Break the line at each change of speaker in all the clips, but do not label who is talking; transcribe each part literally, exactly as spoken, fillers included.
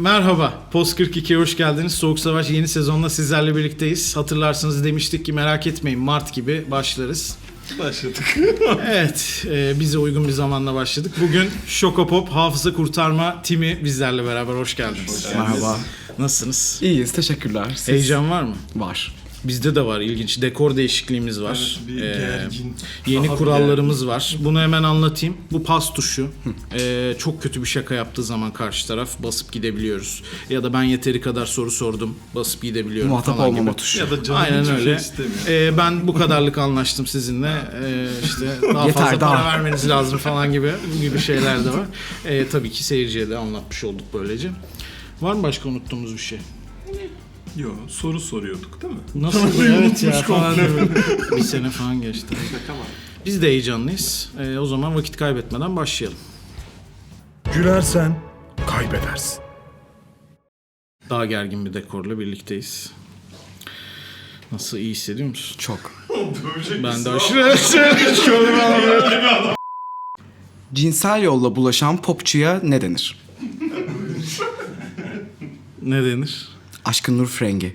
Merhaba, Post kırk iki'ye hoş geldiniz. Soğuk Savaş yeni sezonla sizlerle birlikteyiz. Hatırlarsanız demiştik ki merak etmeyin Mart gibi başlarız.
Başladık.
Evet, e, bize uygun bir zamanla başladık. Bugün Şokopop Hafıza Kurtarma Timi bizlerle beraber hoş geldiniz.
Hoş
Merhaba.
Nasılsınız?
İyiyiz, teşekkürler. Siz?
Heyecan var mı?
Var.
Bizde de var, ilginç. Dekor değişikliğimiz var.
Evet, bir gergin.
Yeni
Daha
kurallarımız var. Bunu hemen anlatayım. Bu pas tuşu. Ee, çok kötü bir şaka yaptığı zaman karşı taraf basıp gidebiliyoruz. Ya da ben yeteri kadar soru sordum, basıp gidebiliyorum
Muhatap
falan
olmama
gibi.
tuşu.
Ya da canım
Aynen
hiçbir
öyle.
şey istemiyor.
Ee, ben bu kadarlık anlaştım sizinle. Ee, işte daha
Yeter,
fazla
daha.
para vermeniz lazım falan gibi gibi şeyler de var. Ee, tabii ki seyirciye de anlatmış olduk böylece. Var mı başka unuttuğumuz bir şey?
Yok, soru soruyorduk değil mi?
Nasıl? Evet ya
Unutmuş
falan.
komple.
Bir sene falan geçti. Biz de heyecanlıyız. Ee, o zaman vakit kaybetmeden başlayalım.
Gülersen kaybedersin.
Daha gergin bir dekorla birlikteyiz. Nasıl, iyi hissediyor musun?
Çok.
Ben de aşırı aşırı
Cinsel yolla bulaşan popçuya ne denir?
Ne denir?
Aşkın Nur Frengi.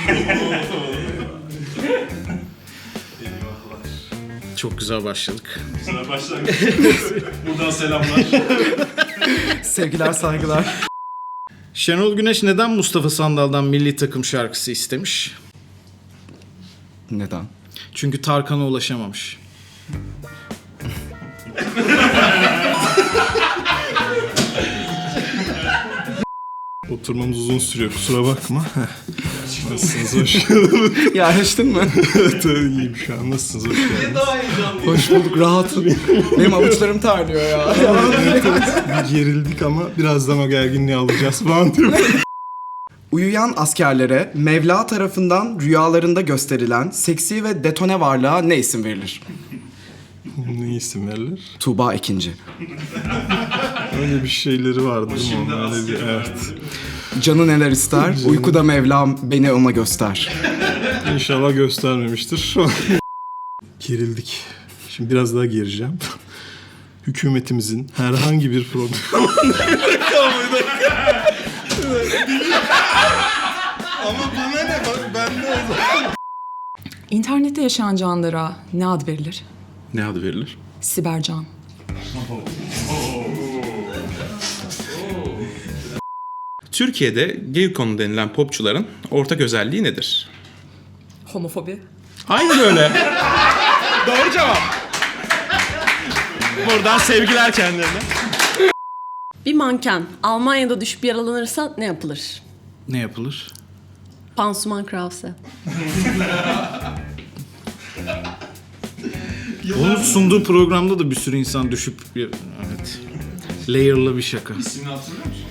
Çok güzel başladık.
Güzel başlangıç. Buradan selamlar.
Sevgiler, saygılar.
Şenol Güneş neden Mustafa Sandal'dan milli takım şarkısı istemiş?
Neden?
Çünkü Tarkan'a ulaşamamış.
Oturmamız uzun sürüyor, kusura bakma. Nasılsınız, hoş geldiniz.
Yerleştin mi?
Evet, iyiyim şu an. Nasılsınız, hoş geldiniz.
Hoş bulduk, rahatım. Benim avuçlarım terliyor ya.
Bir gerildik ama birazdan o gerginliği alacağız falan diyor.
Uyuyan askerlere Mevla tarafından rüyalarında gösterilen seksi ve detone varlığa ne isim verilir?
Ne isim verilir?
Tuğba Ekinci.
Öyle bir şeyleri vardı değil mi? Öyle bir, evet.
Canı neler ister, uykuda Mevlam beni ona göster.
İnşallah göstermemiştir. Şu an gerildik. Şimdi biraz daha gereceğim. Hükümetimizin herhangi bir problem... Ama buna ne? Bak ben de o zaman.
İnternette yaşayan canlılara ne ad verilir?
Ne adı verilir?
Sibercan.
Türkiye'de Gaycon denilen popçuların ortak özelliği nedir?
Homofobi.
Aynen öyle. Doğru cevap. Buradan sevgiler kendilerine.
Bir manken Almanya'da düşüp yaralanırsa ne yapılır?
Ne yapılır?
Pansuman Krause.
Onun sunduğu programda da bir sürü insan düşüp... Evet. Layer'lı bir şaka.
İsmini hatırlıyor musun?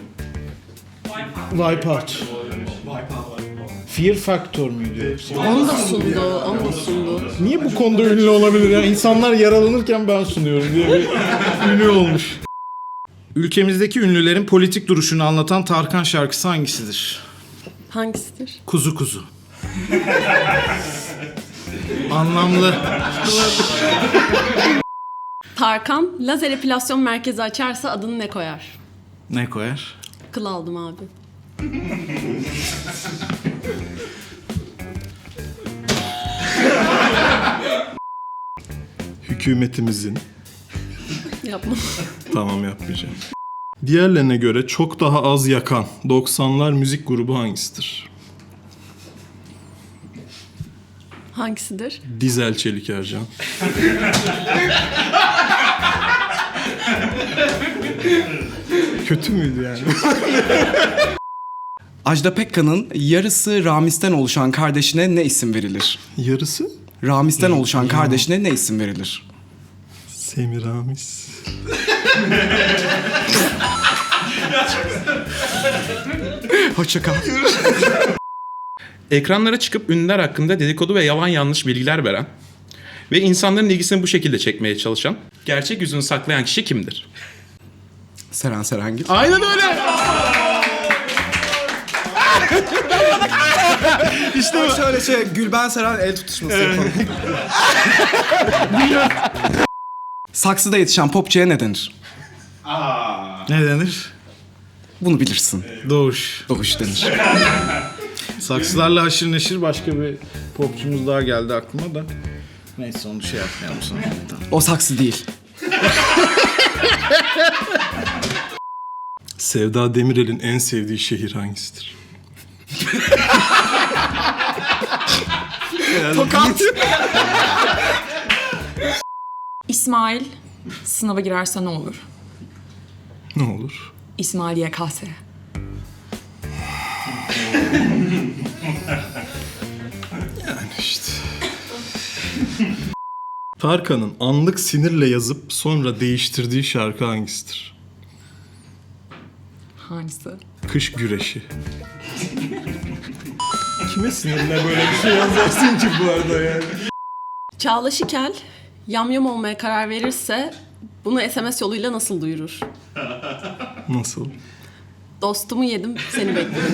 Wipeout. Fear Factor muydu?
Onu da sundu, onu da sundu.
Niye bu konuda ünlü olabilir ya? İnsanlar yaralanırken ben sunuyorum diye bir ünlü olmuş. Ülkemizdeki ünlülerin politik duruşunu anlatan Tarkan şarkısı hangisidir?
Hangisidir?
Kuzu kuzu. Anlamlı.
Tarkan lazer epilasyon merkezi açarsa adını ne koyar?
Ne koyar?
Kıl aldım abi.
Hükümetimizin...
Yapma.
Tamam, yapmayacağım. Diğerlerine göre çok daha az yakan doksanlar müzik grubu hangisidir?
Hangisidir?
Dizel Çelik Ercan. Kötü müydü yani?
Ajda Pekkan'ın yarısı Ramiz'den oluşan kardeşine ne isim verilir?
Yarısı?
Ramiz'den oluşan kardeşine ne isim verilir?
Semiramis.
Hoşça kal.
Ekranlara çıkıp ünlüler hakkında dedikodu ve yalan yanlış bilgiler veren ve insanların ilgisini bu şekilde çekmeye çalışan, gerçek yüzünü saklayan kişi kimdir?
Seren Serengil.
Aynen öyle.
İşte şöyle şey, Gülben Seren el tutuşması yapalım. Saksıda yetişen popçuya ne denir?
Ne denir?
Bunu bilirsin.
Doğuş.
Doğuş denir.
Saksılarla haşır neşir başka bir popçumuz daha geldi aklıma da. Neyse onu şey yapmayalım sonra. Tamam.
O saksı değil.
Sevda Demirel'in en sevdiği şehir hangisidir?
Tokat.
İsmail sınava girerse ne olur?
Ne olur?
İsmail Y K S.
İşte. Tarkan'ın anlık sinirle yazıp sonra değiştirdiği şarkı hangisidir?
Hangisi?
Kış güreşi. Kime sinirle böyle bir şey yazarsın ki bu arada yani?
Çağla Şikel yamyam olmaya karar verirse bunu S M S yoluyla nasıl duyurur?
Nasıl?
Dostumu yedim, seni bekliyorum.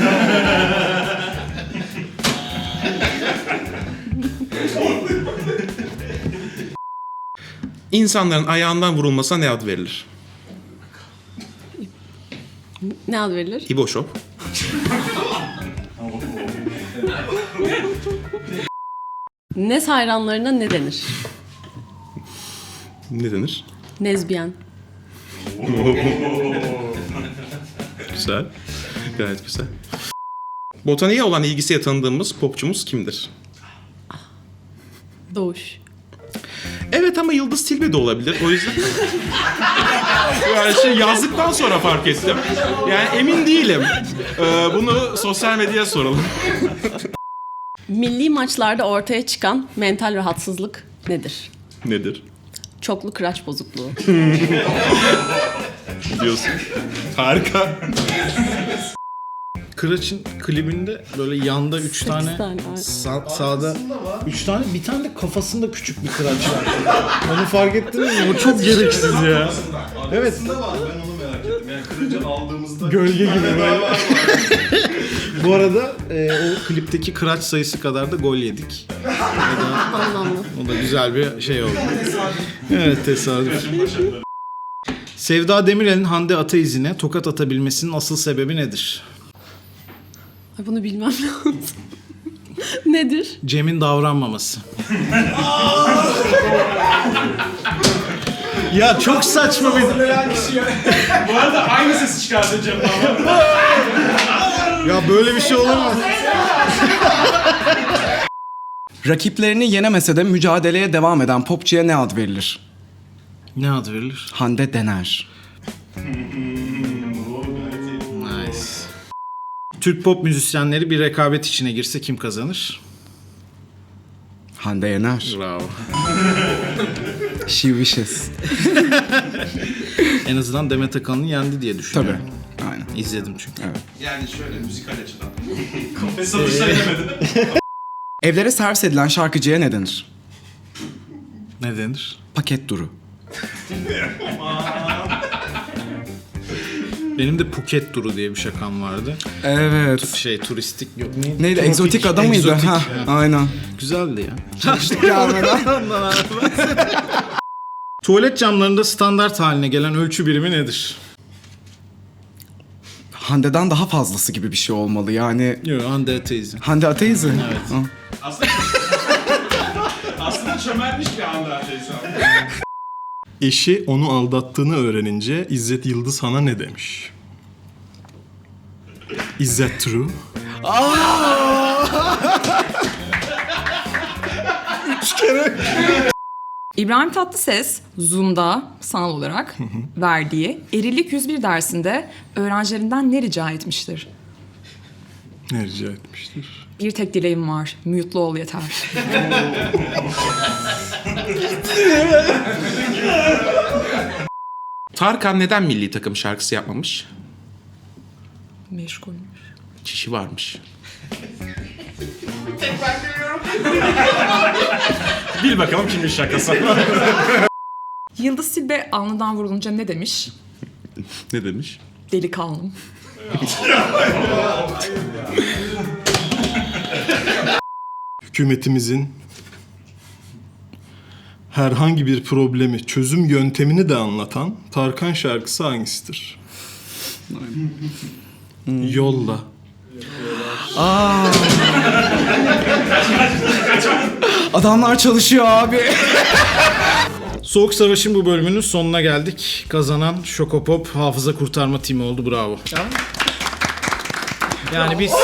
İnsanların ayağından vurulmasına ne ad verilir?
Ne ad verilir?
İboşop.
Nez hayranlarına ne denir?
Ne denir?
Nezbiyen.
Güzel. Gayet güzel. Botaniğe olan ilgisiyle tanıdığımız popçumuz kimdir?
Doğuş.
Evet ama Yıldız Tilbe de olabilir. O yüzden... yani şey yazdıktan sonra fark ettim. Yani emin değilim. Ee, bunu sosyal medyaya soralım.
Milli maçlarda ortaya çıkan mental rahatsızlık nedir?
Nedir?
Çoklu kıraç bozukluğu.
Diyorsun. Harika.
Kıraç'ın klibinde böyle yanda üç tane,
tane var.
sağ, sağda üç tane, bir tane de kafasında küçük bir kıraç var. Onu fark ettiniz mi? O çok gereksiz ya. Evet.
var, ben onu merak ettim. Yani kırıcı aldığımızda...
Gölge gibi böyle. Bu arada e, o klipteki kıraç sayısı kadar da gol yedik. O da,
Anlamlı.
o da güzel bir şey oldu. Evet, tesadüf. Sevda Demirel'in Hande Ataizine tokat atabilmesinin asıl sebebi nedir?
Ay, bunu bilmem lazım. Nedir?
Cem'in davranmaması. Ya çok saçma bir...
Bu arada aynı sesi çıkardı Cem ama.
Ya böyle bir şey olur mu?
Rakiplerini yenemese de mücadeleye devam eden popçuya ne ad verilir?
Ne ad verilir?
Hande Dener.
Nice. Türk pop müzisyenleri bir rekabet içine girse kim kazanır?
Hande Yener.
Bravo.
She wishes.
En azından Demet Akalın'ı yendi diye
Tabii.
düşünüyorum.
Aynen.
İzledim çünkü.
Evet.
Yani şöyle müzikal açıdan.
Evlere servis edilen şarkıcıya ne denir?
Ne denir?
Paket duru.
Benim de Phuket turu diye bir şakam vardı.
Evet.
Şey turistik yok. Ne?
Neydi?
Tropik,
Egzotik adam mıydı?
egzotik.
Ha, aynen.
Güzeldi ya.
Gelmeden.
Tuvalet camlarında standart haline gelen ölçü birimi nedir?
Hande'den daha fazlası gibi bir şey olmalı yani.
Yok, Hande Ateizm.
Hande Ateizm.
Evet.
Ha.
Aslında çömelmiş bir anda teyze.
Eşi onu aldattığını öğrenince İzzet Yıldızhan'a ne demiş? Is that true?
İbrahim Tatlıses Zoom'da sanal olarak verdiği Erilik yüz bir dersinde öğrencilerinden ne rica etmiştir?
Ne rica etmiştir?
Bir tek dileğim var, mute'lu ol yeter.
Tarkan neden milli takım şarkısı yapmamış?
Meşgulmüş.
Çişi varmış.
Bil bakalım kimin şakası.
Yıldız Tilbe alnından vurulunca ne demiş?
Ne demiş?
Delikanlım.
Hükümetimizin herhangi bir problemi, çözüm yöntemini de anlatan Tarkan şarkısı hangisidir? Yolla.
Adamlar çalışıyor abi.
Soğuk Savaş'ın bu bölümünün sonuna geldik. Kazanan Şokopop hafıza kurtarma timi oldu. Bravo. Yani biz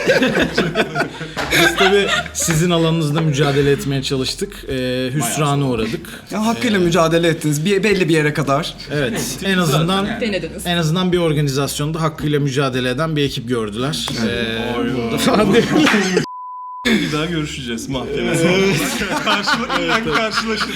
biz tabii sizin alanınızda mücadele etmeye çalıştık. Ee, hüsrana uğradık.
Ya hakkıyla mücadele ettiniz. Bir, belli bir yere kadar.
Evet. En azından
Denediniz.
en azından bir organizasyonda hakkıyla mücadele eden bir ekip gördüler. Ee, burada falan değil.
Bir daha görüşeceğiz mahkemede. Karşılıklı karşılaşırız.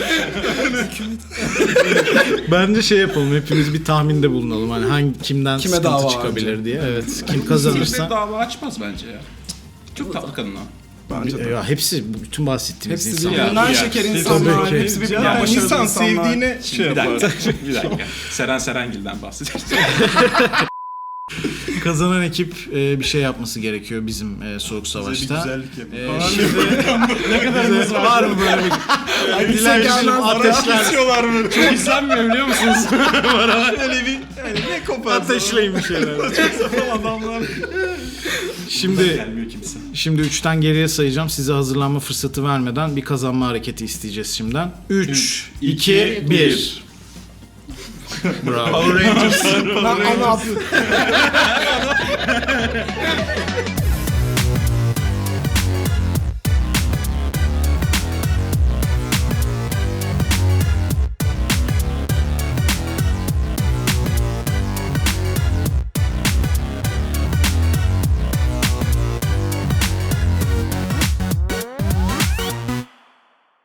Bence şey yapalım. Hepimiz bir tahminde bulunalım. Hani hangi kimden
Kime
sıkıntı
dava
çıkabilir
önce?
diye. Evet. Kim
Tilbe
kazanırsa.
dava açmaz bence ya. Çok tatlı kadın o.
Bence de.
Ya hepsi bütün bahsettiğimiz
Hepsi
insanlar.
birbirinden
Ya,
şeker
ya.
insanlar.
Tabii ki.
Hepsi birbirinden
Yani
başarılı
insan
insanlar.
sevdiğine şey
Bir
yapar.
dakika, bir dakika. Seren Serengil'den bahsedeceğiz.
Kazanan ekip e, bir şey yapması gerekiyor bizim e, Soğuk
Bize bir
Savaş'ta.
güzellik yapın.
E, şimdi ne kadarımız var mı böyle bir Dilencilerim ateşler
mı?
Çok izlenmiyor biliyor musunuz?
Öyle bir yani ne kopar.
ateşleyin bir şeyler.
adamlar.
Şimdi
Gelmiyor kimse.
şimdi üçten geriye sayacağım. Size hazırlanma fırsatı vermeden bir kazanma hareketi isteyeceğiz şimdiden. üç, iki, bir. Bravo.
Power Rangers.
Lan ne yapıyorsun?